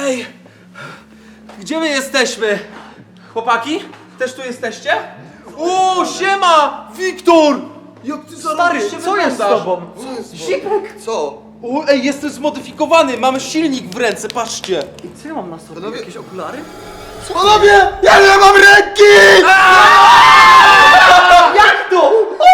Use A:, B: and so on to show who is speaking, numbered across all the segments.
A: Ej! Gdzie my jesteśmy? Chłopaki? Też tu jesteście? O, siema! Wiktor! Jak ty zarobiście
B: co jest z tobą?
C: Co jest?
A: Zipek!
C: Co?
A: O, ej, jestem zmodyfikowany, mamy silnik w ręce, patrzcie!
B: I co ja mam na sobie?
C: Panowie-
B: Jakieś okulary?
C: Panowie! Ja nie mam ręki!
B: Jak to?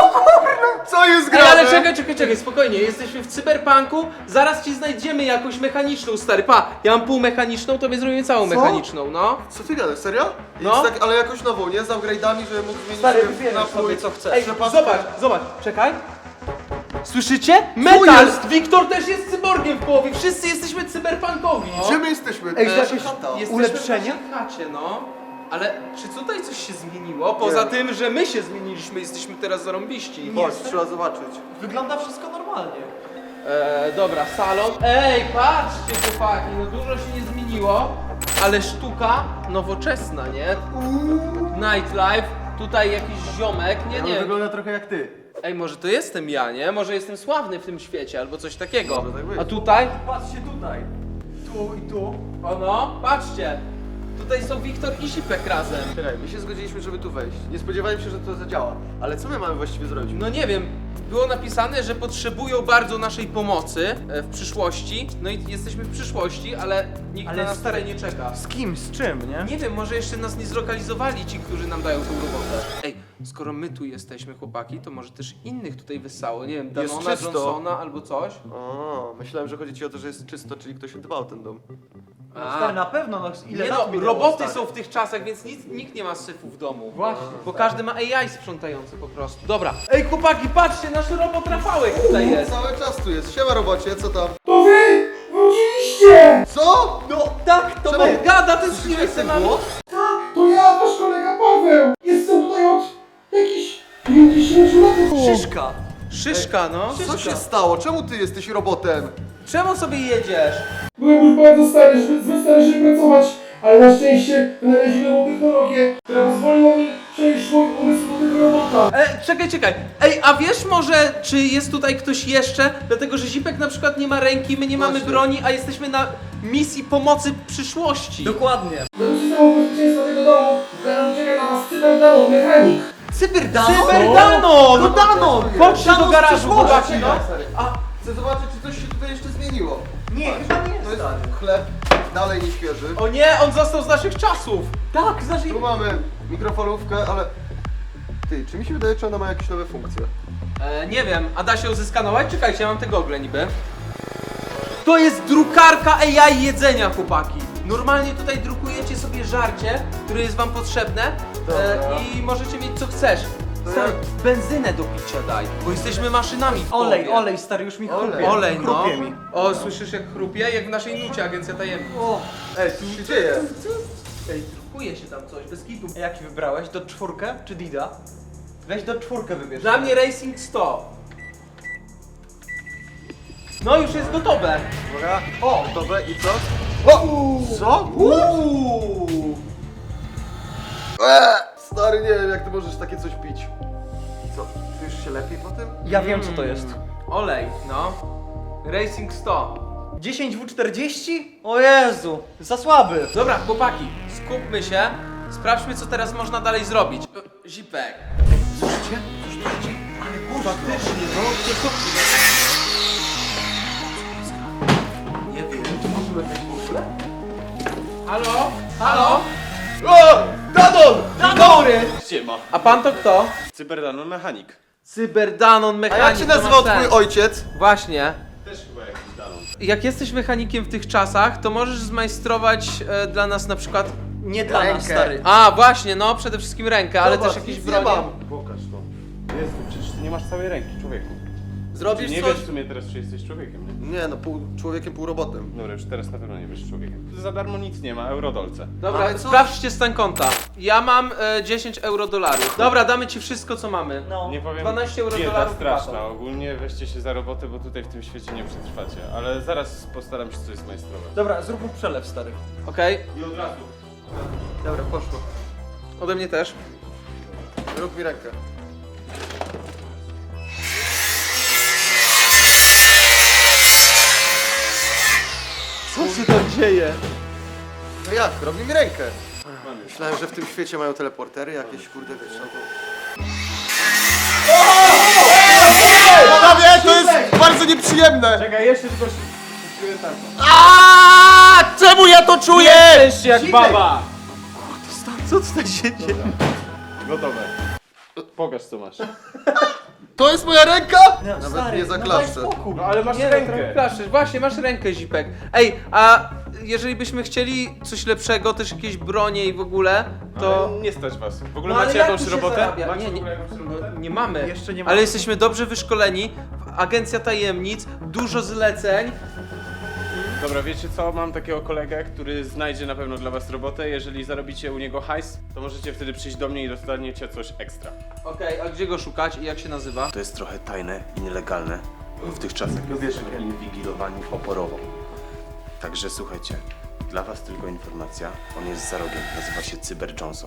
C: Co jest
A: Ej,
C: grane?
A: ale czekaj, spokojnie, jesteśmy w cyberpunku, zaraz ci znajdziemy jakąś mechaniczną, stary, pa! Ja mam półmechaniczną, to my zrobimy całą
C: Co?
A: mechaniczną, no.
C: Co ty gadasz, serio?
A: No.
C: Jest tak, ale jakoś nową, nie? Z upgrade'ami, żeby mógł zmienić
B: Stary,
C: sobie
B: wybierzesz
C: napój.
B: sobie, co chcesz.
A: Ej,
C: Przepatrzę.
A: zobacz, czekaj. Słyszycie? Metal! Wiktor też jest cyborgiem w połowie, wszyscy jesteśmy cyberpunkowi, no.
C: Gdzie my jesteśmy?
B: Ej,
C: To
B: jakieś-
C: chata.
A: Jesteśmy
B: Ulepszenia?
A: w chacie, no. Ale czy tutaj coś się zmieniło? Poza tym, że my się zmieniliśmy, jesteśmy teraz zarąbiści.
C: Chodź, trzeba zobaczyć.
B: Wygląda wszystko normalnie.
A: Dobra, salon. Ej, patrzcie chłopaki, no dużo się nie zmieniło, ale sztuka nowoczesna, nie? Nightlife, tutaj jakiś ziomek, nie.
B: Wygląda trochę jak ty.
A: Ej, może to jestem ja, nie? Może jestem sławny w tym świecie, albo coś takiego.
C: Może tak być.
A: A tutaj?
B: Patrzcie tutaj. Tu i tu.
A: O no, patrzcie. Tutaj są Wiktor i Zipek razem.
C: Czekaj, my się zgodziliśmy, żeby tu wejść. Nie spodziewałem się, że to zadziała. Ale co my mamy właściwie zrobić?
A: No nie wiem, było napisane, że potrzebują bardzo naszej pomocy w przyszłości. No i jesteśmy w przyszłości, ale nikt
B: Ale
A: na nas
B: stary-
A: tutaj nie czeka.
B: Z kim? Z czym, nie?
A: Nie wiem, może jeszcze nas nie zlokalizowali ci, którzy nam dają tą robotę. Ej, skoro my tu jesteśmy, chłopaki, to może też innych tutaj wyssało. Nie wiem,
C: Jest
A: Danona,
C: czysto.
A: Johnsona albo coś.
C: O, myślałem, że chodzi ci o to, że jest czysto, czyli ktoś dbał o ten dom.
B: Stary, na pewno, no ile
A: Nie
B: lat
A: no,
B: minęło,
A: roboty
B: stary.
A: są w tych czasach, więc nikt nie ma syfu w domu.
B: Właśnie.
A: Bo każdy ma AI sprzątający po prostu. Dobra. Ej, chłopaki, patrzcie, nasz robot Rafałek tutaj jest.
C: Cały czas tu jest. Siema robocie, co tam?
D: To wy wróciliście!
C: Co?
A: No tak, to
C: Czemu?
A: on gada, ten
C: Słyszycie
A: śmiech
C: ten
A: se nami.
C: głos?
D: To ja, wasz kolega Paweł! Jestem tutaj od jakichś 50 lat.
B: Szyszka.
A: Szyszka, no.
C: Co się stało? Czemu ty jesteś robotem?
A: Czemu sobie jedziesz?
D: Byłem już bardzo stary, zbyt stary, żeby pracować, ale na szczęście wynaleźli nową technologię, która pozwoliła mi przejść mój umysł do tego robota.
A: Czekaj. Ej, a wiesz może, czy jest tutaj ktoś jeszcze? Dlatego, że Zipek na przykład nie ma ręki, my nie mamy
C: Właśnie.
A: broni, a jesteśmy na misji pomocy przyszłości.
B: Dokładnie.
D: Do systemu bezpieczeństwa tego domu czeka na was Cyberdanon mechanik.
B: Cyberdanon?
A: Cyberdanon!
B: To Danon!
A: Chodźcie do
B: Danon z
A: garażu,
B: przyszłości.
A: chłopaki, no.
C: A, chcę zobaczyć, czy coś się tutaj jeszcze zmieniło.
B: Nie, chyba nie,
C: To jest
B: stary.
C: chleb, dalej nie świeży.
A: O nie, on został z naszych czasów.
B: Tak, znaczy...
C: Tu mamy mikrofalówkę, ale... Ty, czy mi się wydaje, czy ona ma jakieś nowe funkcje?
A: Nie wiem, a da się ją zeskanować? Czekajcie, ja mam te gogle niby. To jest drukarka AI jedzenia, chłopaki. Normalnie tutaj drukujecie sobie żarcie, które jest wam potrzebne i możecie mieć co chcesz. Stary, benzynę do picia daj, bo jesteśmy maszynami w
B: Olej,
A: połowie.
B: olej, stary, już mi
C: Olej.
B: chrupie.
A: Olej, no.
B: Chrupie mi.
A: O, słyszysz jak chrupie? Jak w naszej nucie, Agencja Tajemnic.
B: O,
C: Ej, co się dzieje?
A: Ej, drukuje się tam coś, bez kitu.
B: a jaki wybrałeś? Do czwórkę czy Dida? Weź do czwórkę wybierz.
A: Dla mnie Racing 100. No już jest gotowe.
C: Uwaga. O, dobre, i co? O! Co? Stary, nie wiem, jak ty możesz takie coś pić. Co, czujesz się lepiej po tym?
B: Ja wiem co to jest.
A: Olej, no. Racing 100.
B: 10W40? O Jezu, za słaby.
A: Dobra, chłopaki, skupmy się. Sprawdźmy, co teraz można dalej zrobić. Zipek.
C: Słyszycie?
A: Faktycznie, no. Nie wiem. To może być w ogóle? Halo? Halo?
C: O! Danon!
A: Dzień dobry!
E: Siema.
A: A pan to kto?
E: Cyberdanon mechanik.
A: Cyberdanon
C: A
A: mechanik.
C: jak się
A: to ma
C: nazywał
A: sens.
C: twój ojciec?
A: Właśnie.
E: Też chyba jakiś Danon.
A: Jak jesteś mechanikiem w tych czasach, to możesz zmajstrować dla nas na przykład...
B: Nie dla nas,
C: Rękę.
B: stary.
A: A, właśnie, no, przede wszystkim rękę, ale
C: Zobacz,
A: też jakieś
C: nic nie
A: bronie.
C: mam.
E: Pokaż to. Jezu, przecież ty nie masz całej ręki, człowieku.
C: Zrobisz
E: Nie
C: coś?
E: wiesz w sumie teraz, czy jesteś człowiekiem, nie?
C: Nie no, pół człowiekiem, pół robotem.
E: Dobra, już teraz na pewno nie wiesz człowiekiem. Za darmo nic nie ma, eurodolce.
A: Dobra,
C: Ale co?
A: sprawdźcie stan konta. Ja mam 10 euro dolarów. Dobra, damy ci wszystko, co mamy.
B: No.
E: Nie powiem,
A: 12 euro
E: bieda
A: dolarów
E: straszna.
A: wpłatą.
E: Ogólnie weźcie się za robotę, bo tutaj w tym świecie nie przetrwacie. Ale zaraz postaram się coś zmajstrować.
B: Dobra, zrób mu przelew, stary.
A: Okej,
E: I od razu.
B: Dobra, poszło.
A: ode mnie też.
C: Rób mi rękę.
A: Co się tam dzieje?
C: No jak? Robi mi rękę. Myślałem, że w tym świecie mają teleportery jakieś, kurde, wiesz. Panowie, to jest bardzo nieprzyjemne!
E: Czekaj, jeszcze tylko czuję tak.
C: Czemu ja to czuję?
E: Jesteś jak baba!
B: Co tutaj się dzieje?
E: Gotowe. Pokaż co masz.
C: To jest moja ręka? Nawet
B: Stary,
C: nie
B: no daj
C: zaklaszczę.
B: spokój.
E: No ale masz
A: Nie,
E: rękę.
A: trochę klaszczesz. Właśnie, masz rękę, Zipek. Ej, a jeżeli byśmy chcieli coś lepszego, też jakieś bronie i w ogóle, to...
E: Ale nie stać was. W ogóle
A: No, ale
E: macie
A: jak
E: jakąś
A: tu się
E: robotę?
A: zarabia?
E: Macie
A: Nie,
E: w
A: nie.
E: ogóle jakąś robotę?
A: Nie mamy.
B: Jeszcze nie mamy.
A: Ale jesteśmy dobrze wyszkoleni. Agencja tajemnic, dużo zleceń.
E: Dobra, wiecie co? Mam takiego kolegę, który znajdzie na pewno dla was robotę. Jeżeli zarobicie u niego hajs, to możecie wtedy przyjść do mnie i dostaniecie coś ekstra.
A: Okej, a gdzie go szukać i jak się nazywa?
F: To jest trochę tajne i nielegalne. W tych czasach jesteśmy inwigilowani oporowo. Także słuchajcie, dla was tylko informacja. On jest za rogiem, nazywa się Cyber Johnson.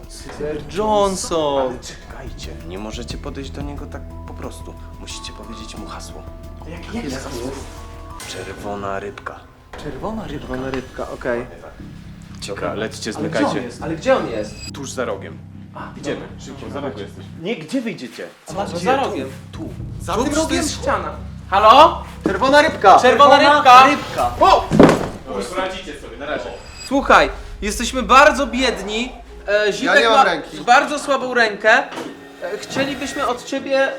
A: Johnson.
F: Ale czekajcie, nie możecie podejść do niego tak po prostu. Musicie powiedzieć mu hasło.
B: Jakie jest?
F: Czerwona rybka.
B: Czerwona ryba.
A: Czerwona rybka, okej.
E: Dobra, lećcie,
B: Ale gdzie
E: zmykajcie.
B: on jest?
A: Ale gdzie on jest?
E: Tuż za rogiem. Idziemy, szybko, za rogiem jesteś.
F: Nie, gdzie wyjdziecie?
A: No za rogiem.
F: Tu.
C: Za
A: Tu
C: tym
A: to
C: rogiem?
A: jest ściana. Halo?
C: Czerwona rybka!
A: Czerwona rybka!
B: Rybka.
A: O!
E: Dobra, poradzicie sobie, na razie.
A: Słuchaj, jesteśmy bardzo biedni. Zipek
C: nie mam
A: ma
C: ręki.
A: bardzo słabą rękę. Chcielibyśmy od ciebie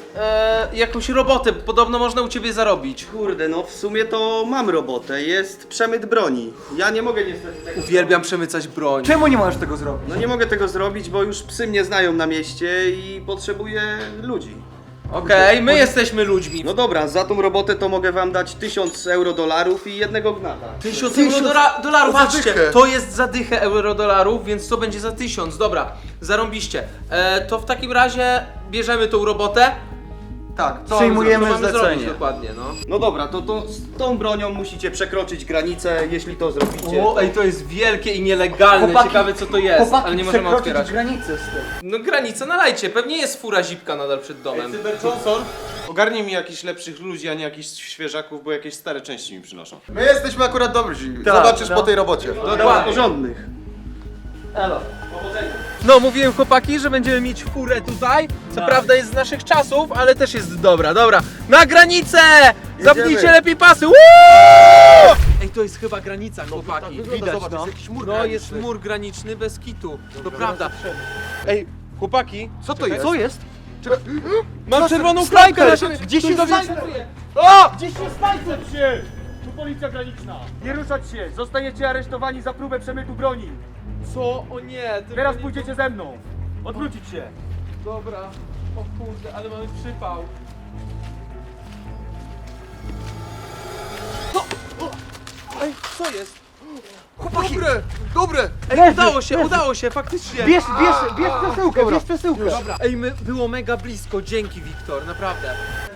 A: jakąś robotę. Podobno można u ciebie zarobić.
G: Kurde, no w sumie to mam robotę, jest przemyt broni. Ja nie mogę niestety tego
A: Uwielbiam przemycać broń.
B: Czemu nie możesz tego zrobić?
G: No nie mogę tego zrobić, bo już psy mnie znają na mieście i potrzebuję ludzi.
A: Okej, my jesteśmy ludźmi.
G: No dobra, za tą robotę to mogę wam dać 1000 euro i jednego gnata.
A: 1000 euro-dolarów,
C: Za
A: patrzcie,
C: dychę.
A: to jest za dychę euro-dolarów, więc to będzie za 1000, dobra, zarąbiście. To w takim razie bierzemy tą robotę.
C: Tak, co
B: Przyjmujemy
A: Co mamy zrobić
B: zlecenie.
A: dokładnie, no.
G: No dobra, to z tą bronią musicie przekroczyć granicę, jeśli to zrobicie.
A: O, ej, to jest wielkie i nielegalne,
B: Chłopaki,
A: ciekawe co to jest,
B: Chłopaki,
A: ale nie możemy
B: przekroczyć
A: otwierać.
B: granicę z tym.
A: No granica nalajcie, pewnie jest fura Zipka nadal przed domem.
E: Cyber Johnson, ogarnij mi jakichś lepszych ludzi, a nie jakichś świeżaków, bo jakieś stare części mi przynoszą.
C: My jesteśmy akurat dobrzy.
B: Tak,
C: Zobaczysz
B: no.
C: po tej robocie.
A: Dokładnie.
G: Porządnych.
B: Elo.
A: No, mówiłem chłopaki, że będziemy mieć furę tutaj. Co prawda jest z naszych czasów, ale też jest dobra, dobra. Na granicę! Zapnijcie lepiej pasy! Woo! Ej, to jest chyba granica, chłopaki.
C: Widać,
B: Widać, no.
C: jest jakiś mur
A: No, jest
C: graniczny.
A: mur graniczny bez kitu. To prawda. Ej, chłopaki,
C: Co to jest?
B: Co jest?
A: mam czerwoną klamkę na siebie.
B: Gdzie się snajper?
H: Znajdę się! Tu policja graniczna! Nie ruszać się! Zostajecie aresztowani za próbę przemytu broni!
A: Co? O nie, tylko
H: Teraz
A: nie...
H: pójdziecie ze mną! Odwrócić się!
A: Dobra. O kurde, ale mamy przypał. Ej, co jest?
C: Dobre, dobre!
A: Ej, udało się, faktycznie.
B: Bierz przesyłkę, bierz przesyłkę.
A: Dobra. Ej, było mega blisko, dzięki Wiktor, naprawdę.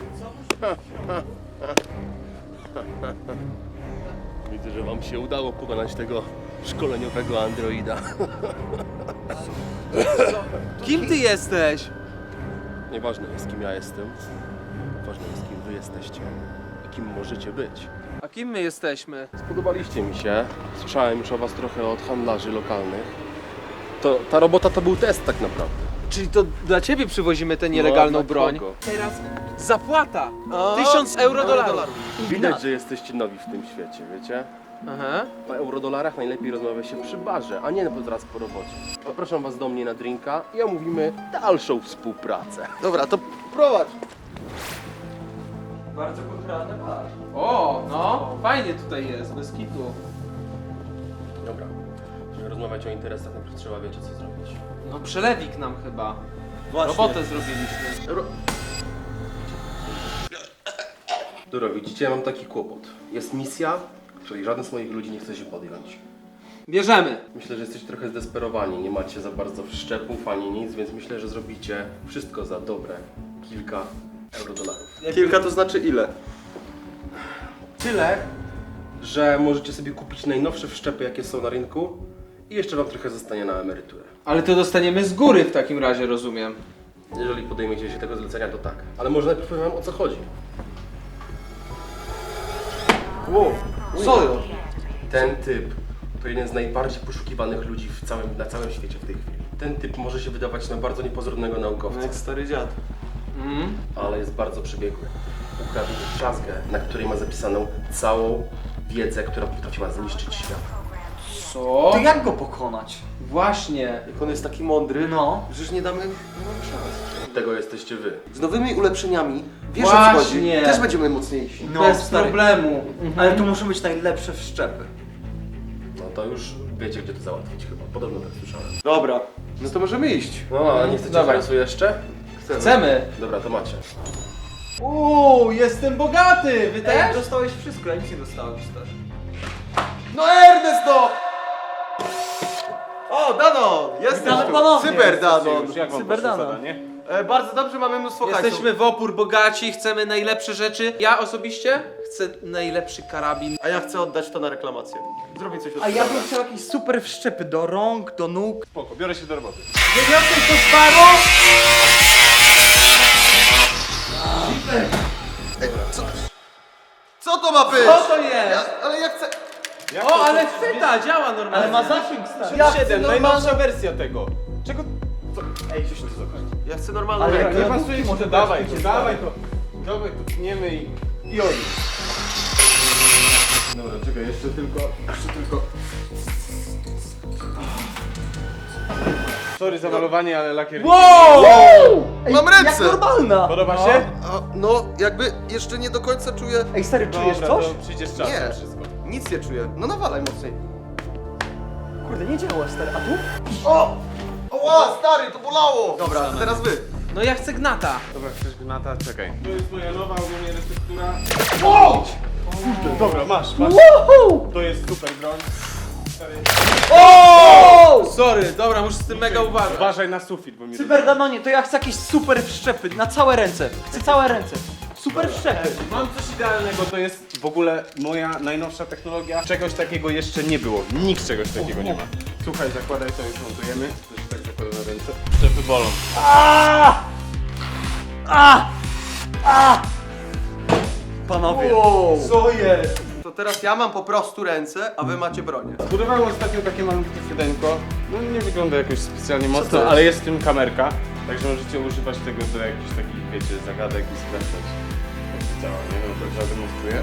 I: Widzę, że wam się udało pokonać tego szkoleniowego androida.
A: Kim ty jesteś?
I: Nieważne jest, kim ja jestem. Ważne jest, kim wy jesteście i kim możecie być.
A: A kim my jesteśmy?
I: Spodobaliście mi się. Słyszałem już o was trochę od handlarzy lokalnych. Ta robota to był test tak naprawdę.
A: Czyli to dla ciebie przywozimy tę nielegalną
I: No, dla
A: broń.
I: kogo?
A: Teraz zapłata. 1000 euro-dolarów.
I: Widać, że jesteście nowi w tym świecie, wiecie?
A: Aha.
I: O eurodolarach najlepiej rozmawia się przy barze, a nie zaraz po robocie. Zapraszam was do mnie na drinka i omówimy dalszą współpracę.
C: Dobra, to prowadź.
B: Bardzo kulturalny bar.
A: O, no, fajnie tutaj jest, bez kitu.
I: Dobra, żeby rozmawiać o interesach, najpierw trzeba wiecie co zrobić.
A: No przelewik nam chyba. Robotę zrobiliśmy.
I: Dobra, widzicie, mam taki kłopot. Jest misja, której żaden z moich ludzi nie chce się podjąć.
A: Bierzemy.
I: Myślę, że jesteście trochę zdesperowani, nie macie za bardzo wszczepów ani nic, więc myślę, że zrobicie wszystko za dobre kilka eurodolarów.
G: Kilka to znaczy ile?
I: Tyle, że możecie sobie kupić najnowsze wszczepy, jakie są na rynku i jeszcze wam trochę zostanie na emeryturę.
A: Ale to dostaniemy z góry w takim razie, rozumiem.
I: Jeżeli podejmiecie się tego zlecenia, to tak. Ale może najpierw powiem wam o co chodzi.
C: Co?
I: Ten typ to jeden z najbardziej poszukiwanych ludzi na całym świecie w tej chwili. Ten typ może się wydawać na bardzo niepozornego naukowca,
G: Jak stary dziad.
I: ale jest bardzo przebiegły. Ukradł drzazgę, na której ma zapisaną całą wiedzę, która potrafiła zniszczyć świat.
A: Co?
B: To jak go pokonać?
A: Właśnie.
C: Jak on jest taki mądry,
B: No.
C: przecież nie damy szans.
I: Tego jesteście wy.
C: Z nowymi ulepszeniami, wiesz o co
A: Właśnie.
C: chodzi, też będziemy mocniejsi.
B: No,
A: Bez
B: stary.
A: problemu.
B: Ale tu muszą być najlepsze wszczepy.
I: No to już wiecie, gdzie to załatwić chyba. Podobno tak słyszałem.
C: Dobra, no to możemy iść.
I: No, a nie chcecie
A: Dawaj.
I: hajsu jeszcze?
A: Chcemy.
I: Dobra, to macie.
A: Jestem bogaty! Wy też?
B: Dostałeś wszystko, ja nic nie dostałem, stary.
C: No Ernest, no! O, Danon! Jesteś
B: Witamy
C: tu!
B: ponownie.
C: Cyber Danon!
E: Już jak wam
B: Cyberdana.
E: poszło zadanie?
C: Bardzo dobrze, mamy mnóstwo hajsu.
A: Jesteśmy w opór bogaci, chcemy najlepsze rzeczy. Ja osobiście chcę najlepszy karabin.
C: A ja chcę oddać to na reklamację. Zrobić coś od
B: A ja bym chciał jakieś super wszczepy do rąk, do nóg.
E: Spoko, biorę się do roboty.
A: Dziewiąty to zbaru!
C: Co to ma być?
A: Co to jest?
C: Ale ja chcę...
A: O, ale chwyta, działa normalnie.
B: Ale ma zasięg, stary.
C: Ja chcę
E: 7,
C: normalną...
E: najnowsza wersja tego. Czego? Co? Ej, coś tu zobaczyć.
C: Ja chcę normalną
B: Ale
C: rękę.
E: Nie pasuje ci to, dawaj to, dawaj to. Dawaj to, tniemy i oj. Dobra, czekaj, jeszcze tylko. Sorry za malowanie, ale lakier...
A: Wow!
C: Mam ręce!
B: Jak normalna!
E: Podoba się?
C: No, jakby jeszcze nie do końca czuję...
B: Ej, stary, czujesz
E: Dobra,
B: coś?
E: to przyjdzie z czasem
C: Nie.
E: wszystko.
C: Nic nie czuję. No nawalaj mocniej.
B: Kurde, nie działa, stary. A tu?
C: O! Oła, stary, to bolało! Dobra, to teraz wy.
A: No ja chcę gnata.
E: Dobra, chcesz gnata? Czekaj. To jest moja nowa ogólnie receptura. O! Kurde, dobra, masz. To jest super broń. Stary,
A: Sorry, dobra, muszę z tym mega uważać.
E: uważaj na sufit, bo mi
B: Cyberdanonie, to ja chcę jakieś super wszczepy na całe ręce. Chcę całe ręce. Super wszczepy.
E: Mam coś idealnego, to jest w ogóle moja najnowsza technologia. Czegoś takiego jeszcze nie było. Nikt czegoś takiego nie ma. Słuchaj, zakładaj to, już montujemy. To się tak zakłada na ręce. Szczepy bolą.
B: Panowie.
C: Co jest? To teraz ja mam po prostu ręce, a wy macie bronię.
E: Zbudowałem ostatnio takie malutkie fydeńko. No nie wygląda jakoś specjalnie
C: to
E: mocno,
C: jest?
E: ale jest w tym kamerka. Także możecie używać tego do jakichś takich, wiecie, zagadek i sprawdzać, jak to działa. Nie wiem, to zademonstruję.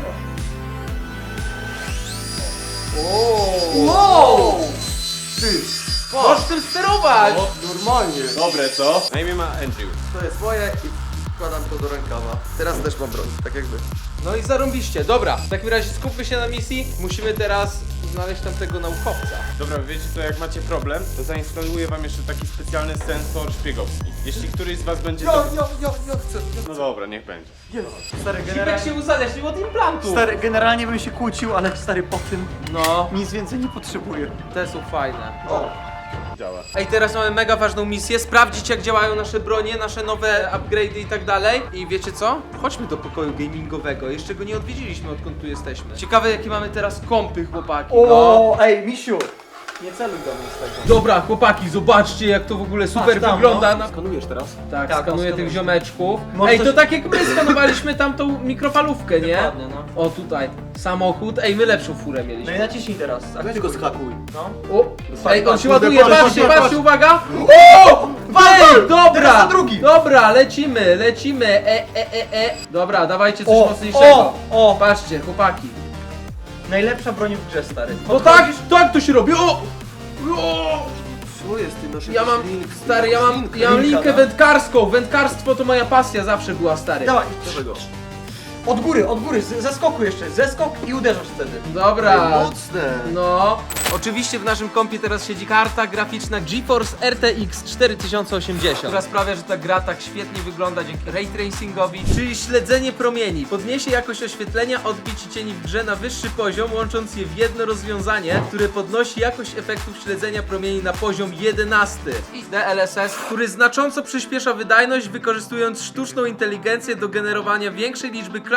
B: Wow!
A: Możesz tym sterować!
C: Normalnie.
E: Dobre, co? Na imię ma Andrew.
C: To jest moje i wkładam to do rękawa. Teraz też mam broń, tak jakby.
A: No i zarąbiście. Dobra, w takim razie skupmy się na misji. Musimy teraz znaleźć tamtego naukowca.
E: Dobra, wiecie co, jak macie problem, to zainstaluję wam jeszcze taki specjalny sensor szpiegowski. Jeśli któryś z was będzie...
C: Ja chcę.
E: No dobra, niech będzie.
B: Stary,
A: Zipek
B: generalnie...
A: się uzależnił od implantu.
B: Stary, generalnie bym się kłócił, ale stary, po tym
A: No,
B: nic więcej nie potrzebuję.
A: te są fajne.
E: Działa.
A: Ej, teraz mamy mega ważną misję, sprawdzić jak działają nasze bronie, nasze nowe upgrade'y i tak dalej. I wiecie co? Chodźmy do pokoju gamingowego, jeszcze go nie odwiedziliśmy odkąd tu jesteśmy. Ciekawe jakie mamy teraz kompy, chłopaki, no.
B: O, ej, misiu! Nie celuj do mnie z tego.
A: Dobra, chłopaki, zobaczcie jak to w ogóle super
B: Patrz tam,
A: wygląda.
B: no.
C: Skanujesz teraz?
A: Tak,
B: Tak,
A: skanuję
B: no,
A: tych
B: skanuję.
A: ziomeczków.
B: Może
A: Ej,
B: coś-
A: to tak jak my skanowaliśmy tamtą mikrofalówkę, nie?
B: Dokładnie, no.
A: O, tutaj, samochód. Ej, my lepszą furę
B: No
A: mieliśmy.
B: i naciśnij teraz.
C: Weź go zhakuj.
B: No.
A: O, ej, on
C: patrz,
A: się
C: kurde,
A: ładuje,
C: patrz,
A: patrzcie,
C: patrz,
A: patrzcie,
C: patrz.
A: uwaga! O! Ej, dobra!
C: Teraz na drugi.
A: Dobra, lecimy. Dobra, dawajcie coś mocniejszego.
B: o!
A: Patrzcie, chłopaki.
B: Najlepsza broń w grze, stary.
A: No tak to się robi, o!
C: Co jest ty nasz
A: Ja mam,
C: link?
A: stary, ja mam linkę
B: no.
A: wędkarską. Wędkarstwo to moja pasja zawsze była, stary.
B: Dawaj,
C: Czego?
B: od góry, ze skoku jeszcze. Zeskok i uderzasz wtedy.
A: Dobra.
C: Mocne.
A: No. Oczywiście w naszym kompie teraz siedzi karta graficzna GeForce RTX 4080, która sprawia, że ta gra tak świetnie wygląda dzięki ray tracingowi, czyli śledzenie promieni. Podniesie jakość oświetlenia, odbić i cieni w grze na wyższy poziom, łącząc je w jedno rozwiązanie, które podnosi jakość efektów śledzenia promieni na poziom 11. I DLSS, który znacząco przyspiesza wydajność, wykorzystując sztuczną inteligencję do generowania większej liczby klatk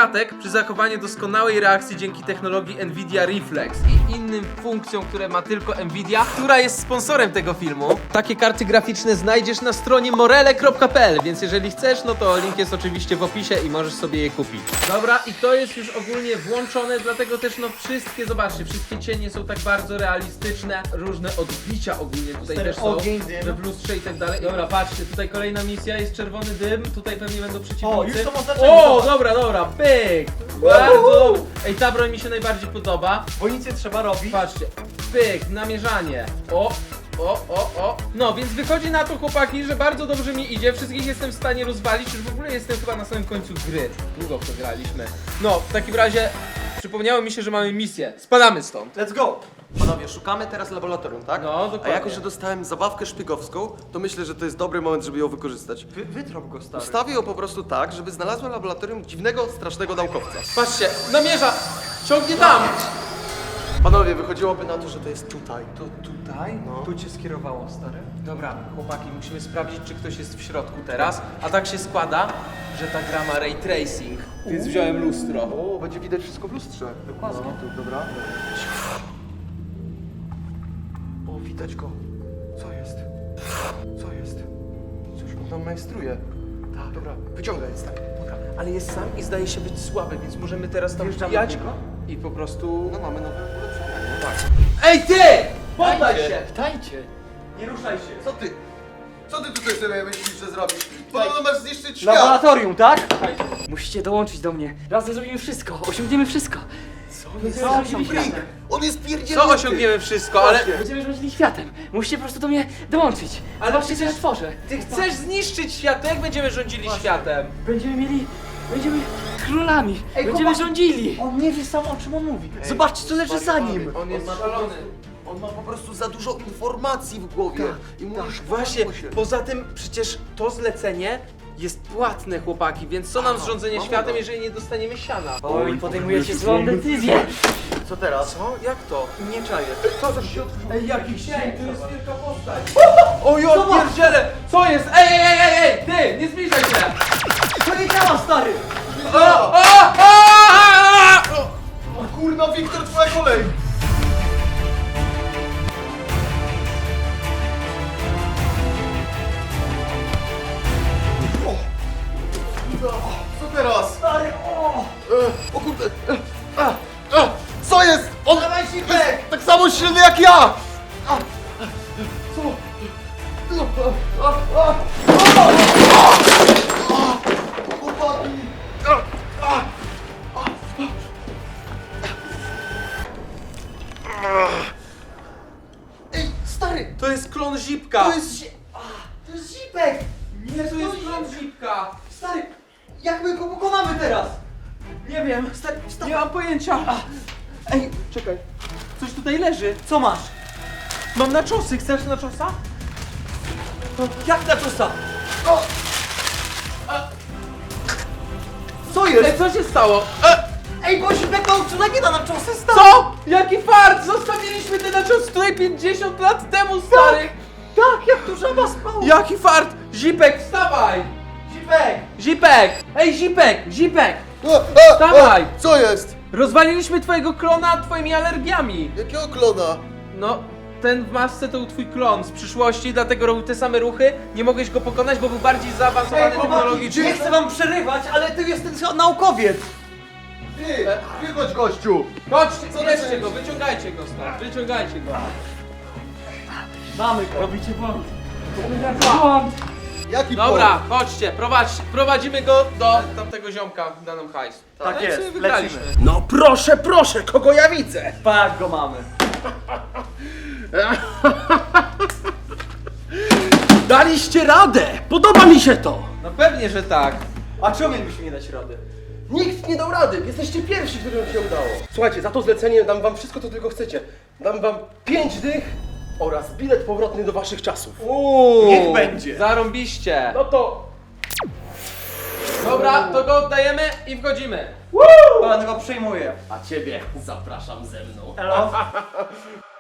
A: klatek przy zachowaniu doskonałej reakcji dzięki technologii Nvidia Reflex i innym funkcjom, które ma tylko Nvidia, która jest sponsorem tego filmu. Takie karty graficzne znajdziesz na stronie morele.pl, więc jeżeli chcesz, no to link jest oczywiście w opisie i możesz sobie je kupić. Dobra, i to jest już ogólnie włączone, dlatego też no wszystkie, zobaczcie, wszystkie cienie są tak bardzo realistyczne, różne odbicia ogólnie tutaj też są, że w lustrze i tak dalej. Dobra, patrzcie, tutaj kolejna misja, jest czerwony dym, tutaj pewnie będą przeciwnicy.
B: O, już są oznaczeni,
A: O,
B: zobacz.
A: dobra, pyk! Bardzo dobrze. Ej, ta broń mi się najbardziej podoba.
B: Bo nic nie trzeba robić.
A: Patrzcie, pyk, namierzanie. O. No, więc wychodzi na to, chłopaki, że bardzo dobrze mi idzie. Wszystkich jestem w stanie rozwalić, już w ogóle jestem chyba na samym końcu gry. Długo w to graliśmy. No, w takim razie przypomniało mi się, że mamy misję. Spadamy stąd.
B: Let's go!
C: Panowie, szukamy teraz laboratorium, tak?
A: No, dokładnie.
C: A jako, że dostałem zabawkę szpiegowską, to myślę, że to jest dobry moment, żeby ją wykorzystać.
B: Wytrąb go, stary.
C: Ustawię ją po prostu tak, żeby znalazła laboratorium dziwnego, strasznego naukowca.
A: Patrzcie, namierza! Ciągnie tam!
C: Panowie, wychodziłoby na to, że to jest tutaj.
A: To tutaj?
C: No.
B: Tu cię skierowało, stary.
A: Dobra, chłopaki, musimy sprawdzić, czy ktoś jest w środku teraz. A tak się składa, że ta gra ma ray tracing, więc wziąłem lustro.
C: O, będzie widać wszystko w lustrze. Dokładnie. Tu, dobra. O, widać go. Co jest? Co jest? Cóż, on tam majstruje. Tak, dobra. Wyciągaj, stary.
A: Dobra, ale jest sam i zdaje się być słaby, więc możemy teraz tam
B: Wjeżdżamy
A: wbijać
B: do niego?
A: i po prostu...
C: No mamy nowe ulepszenia, nie? Tak.
A: Ej ty! Poddaj się!
B: Wtajcie! Nie ruszaj się.
C: Co ty? Co ty tutaj sobie myślisz, że zrobisz? Podobno masz zniszczyć świat!
B: Laboratorium, tak?
J: Musicie dołączyć do mnie. Razem zrobimy wszystko. Osiągniemy wszystko. Będziemy rządzili światem.
C: On jest pierdzielnięty!
A: Co osiągniemy wszystko, ale...
J: Będziemy rządzili światem. Musicie po prostu do mnie dołączyć.
A: Ale
J: Zobaczcie, co ja
A: przecież-
J: tworzę.
A: Ty chcesz zniszczyć świat, to jak będziemy rządzili światem?
J: Będziemy królami.
B: Ej,
J: Będziemy
B: chłopak-
J: rządzili.
B: On nie wie sam, o czym on mówi. Zobaczcie, co leży za nim.
A: On jest szalony.
C: On ma po prostu za dużo informacji w głowie. I mówisz
A: Właśnie, poza tym przecież to zlecenie jest płatne, chłopaki, więc co nam zrządzenie
C: mamy
A: światem,
C: to.
A: jeżeli nie dostaniemy siana?
J: Oj, podejmujecie złą decyzję.
C: Co teraz?
A: Co? Jak to?
B: Nie czaję.
C: Co za się...
B: Ej, jakiś
A: Ej, to jest wielka postać. O ja pierdzielę! Co jest? Ej! Ty, nie zbliżaj się!
B: To nie działa, stary!
C: O kurna, Wiktor, twoja kolej! Co teraz?
B: Stary, o!
C: O kurde! Co jest? On
B: Dawaj,
C: jest
B: Sipek!
C: tak samo silny jak ja! Chłopaki! Ej, stary!
A: To jest klon Zipka!
C: To jest...
B: To jest Zipek!
A: Nie, to jest klon Zipka!
B: Stary, jak my go pokonamy teraz?
A: Nie wiem, nie mam pojęcia. Ej, czekaj, coś tutaj leży.
B: Co masz?
A: Mam naczosy, chcesz naczosa?
B: Jak na czusa? Co jest?
A: Ej, co się stało?
B: Ej, bo Zipek nauczył nie da na czosy, stary!
A: Co? Jaki fart! Zostawiliśmy te naczosy tutaj 50 lat temu, stary!
B: Tak, jak tu żaba spała!
A: Jaki fart! Zipek, wstawaj!
B: Zipek!
A: Zipek! Ej, Zipek! Dawaj!
C: Co jest?
A: Rozwaliliśmy twojego klona twoimi alergiami!
C: Jakiego klona?
A: No, ten w masce to był twój klon z przyszłości, dlatego robił te same ruchy. Nie mogłeś go pokonać, bo był bardziej zaawansowany
B: Ej, chłopaki,
A: technologicznie.
B: nie chcę wam przerywać, ale ty jesteś naukowiec!
C: Ty, wychodź gościu!
A: Chodźcie, bierzcie go, wyciągajcie go stąd, wyciągajcie go.
B: Mamy go.
J: Robicie błąd. Błąd.
C: Jaki
A: Dobra, chodźcie, prowadzimy go do tamtego ziomka, da nam hajs.
B: Tak
A: No i
B: jest,
A: sobie wygraliśmy.
B: lecimy.
E: No proszę, kogo ja widzę?
B: Tak go mamy.
E: Daliście radę! Podoba mi się to!
A: No pewnie, że tak.
B: A czemu mielibyśmy nie dać rady?
E: Nikt nie dał rady! Jesteście pierwsi, którym się udało. Słuchajcie, za to zlecenie dam wam wszystko, co tylko chcecie. Dam wam 5 dych oraz bilet powrotny do waszych czasów.
B: Niech będzie.
A: Zarąbiście.
E: No to...
A: Dobra, to go oddajemy i wchodzimy.
B: Pan go przejmuje.
I: A ciebie zapraszam ze mną.
B: Elo.